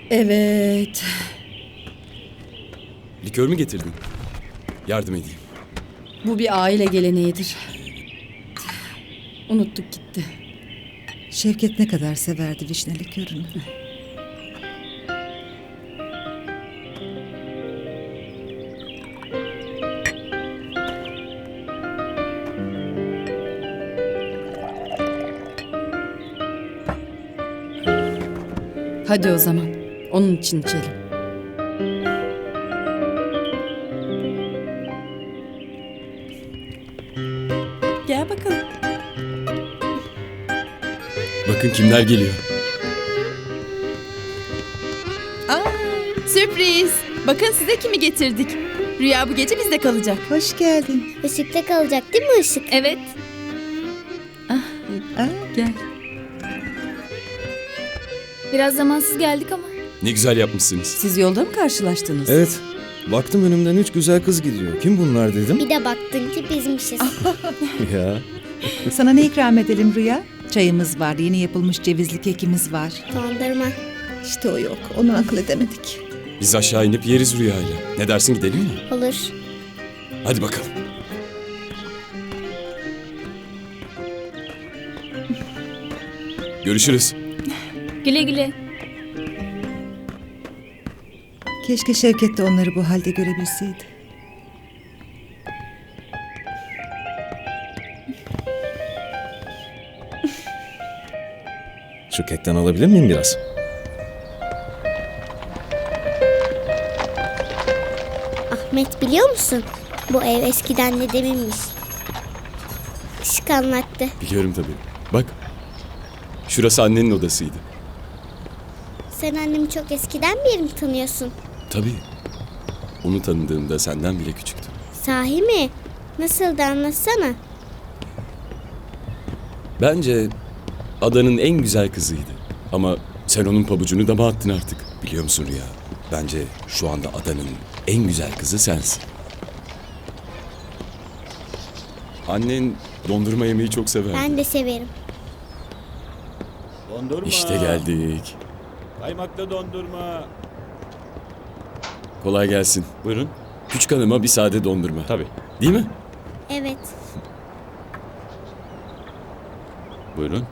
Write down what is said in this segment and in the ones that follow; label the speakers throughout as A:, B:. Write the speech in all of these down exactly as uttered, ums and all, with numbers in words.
A: Evet.
B: Likör mü getirdin? Yardım edeyim.
A: Bu bir aile geleneğidir. Unuttuk gitti.
C: Şevket ne kadar severdi vişne likörünü.
A: Hadi o zaman. Onun için içelim. Gel bakalım.
B: Bakın kimler geliyor.
D: Sürpriz. Bakın size kimi getirdik. Rüya bu gece bizde kalacak.
C: Hoş geldin.
E: Işıkta kalacak değil mi Işık?
D: Evet.
C: Aa,
A: Gel.
D: Biraz zamansız geldik ama.
B: Ne güzel yapmışsınız.
A: Siz yolda mı karşılaştınız?
F: Evet. Baktım önümden üç güzel kız gidiyor. Kim bunlar dedim.
E: Bir de baktın ki bizmişiz.
F: Ya.
C: sana ne ikram edelim Rüya? Çayımız var, yeni yapılmış cevizli kekimiz var.
E: Dondurma.
C: İşte o yok, onu akıl edemedik.
B: Biz aşağı inip yeriz Rüya'yla. Ne dersin, gidelim mi?
E: Olur.
B: Hadi bakalım. Görüşürüz.
D: Güle güle.
C: Keşke Şevket de onları bu halde görebilseydi.
F: Şu kekten alabilir miyim biraz?
E: Ahmet biliyor musun? Bu ev eskiden dedeminmiş. Işık anlattı.
B: Biliyorum tabii. Bak. Şurası annenin odasıydı.
E: Sen annemi çok eskiden beri mi tanıyorsun?
B: Tabii. Onu tanıdığımda senden bile küçüktü.
E: Sahi mi? Nasıl da anlatsana.
B: Bence adanın en güzel kızıydı. Ama sen onun pabucunu dama attın artık. Biliyor musun Rüya? Bence şu anda adanın en güzel kızı sensin. Annen dondurma yemeyi çok severdi.
E: Ben de severim.
G: Dondurma.
B: İşte geldik.
G: Kaymaklı dondurma.
B: Kolay gelsin.
G: Buyurun.
B: Küçük hanıma bir sade dondurma.
G: Tabii.
B: Değil mi?
E: Evet.
B: Buyurun.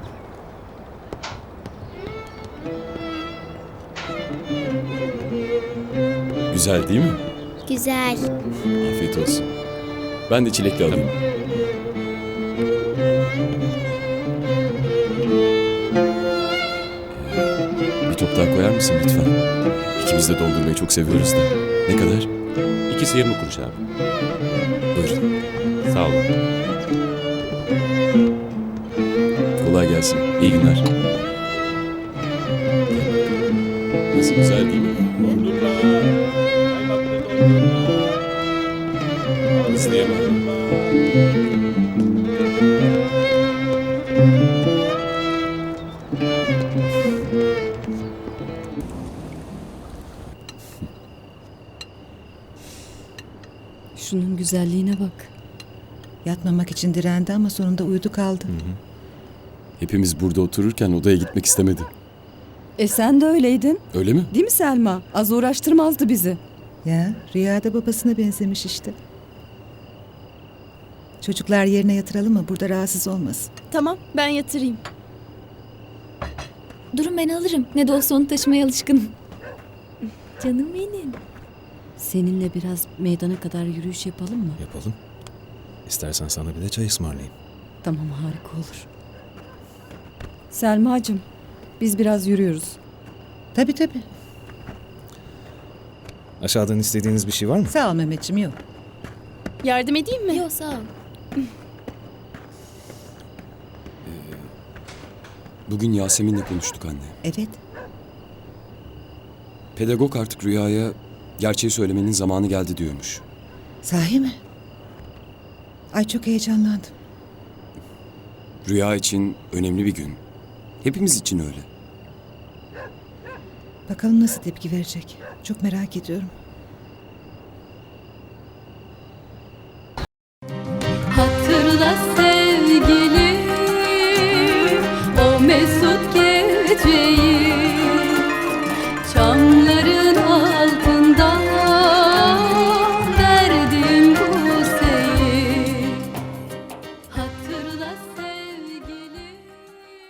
B: Güzel değil mi?
E: Güzel.
B: Afiyet olsun. Ben de çilekli alayım. Ee, Bir top daha koyar mısın lütfen? İkimiz de dondurmayı çok seviyoruz da. Ne kadar?
G: İkisi yirmi kuruş abi.
B: Buyurun.
G: Sağ olun.
B: Kolay gelsin. İyi günler. Nasıl, güzel değil mi?
G: Dondurma. Kaymaklı dondurma.
B: İsteyemem.
A: Şunun güzelliğine bak.
C: Yatmamak için direndi ama sonunda uyudu kaldı.
B: Hepimiz burada otururken odaya gitmek istemedi.
A: E sen de öyleydin.
B: Öyle mi?
A: Değil mi Selma? Az uğraştırmazdı bizi.
C: Ya, Rüya da babasına benzemiş işte. Çocuklar yerine yatıralım mı? Burada rahatsız olmasın.
D: Tamam, ben yatırayım. Durun, ben alırım. Ne de olsa onu taşımaya alışkınım. Canım benim.
A: Seninle biraz meydana kadar yürüyüş yapalım mı?
F: Yapalım. İstersen sana bir de çay ısmarlayayım.
A: Tamam, harika olur. Selmacığım, biz biraz yürüyoruz.
C: Tabii tabii.
F: Aşağıdan istediğiniz bir şey var mı?
C: Sağ ol Mehmetciğim, yok.
D: Yardım edeyim mi? Yok, sağ ol.
B: Bugün Yasemin'le konuştuk anne.
C: Evet.
B: Pedagog artık Rüya'ya gerçeği söylemenin zamanı geldi diyormuş.
C: Sahi mi? Ay çok heyecanlandım.
B: Rüya için önemli bir gün. Hepimiz için öyle.
C: Bakalım nasıl tepki verecek. Çok merak ediyorum.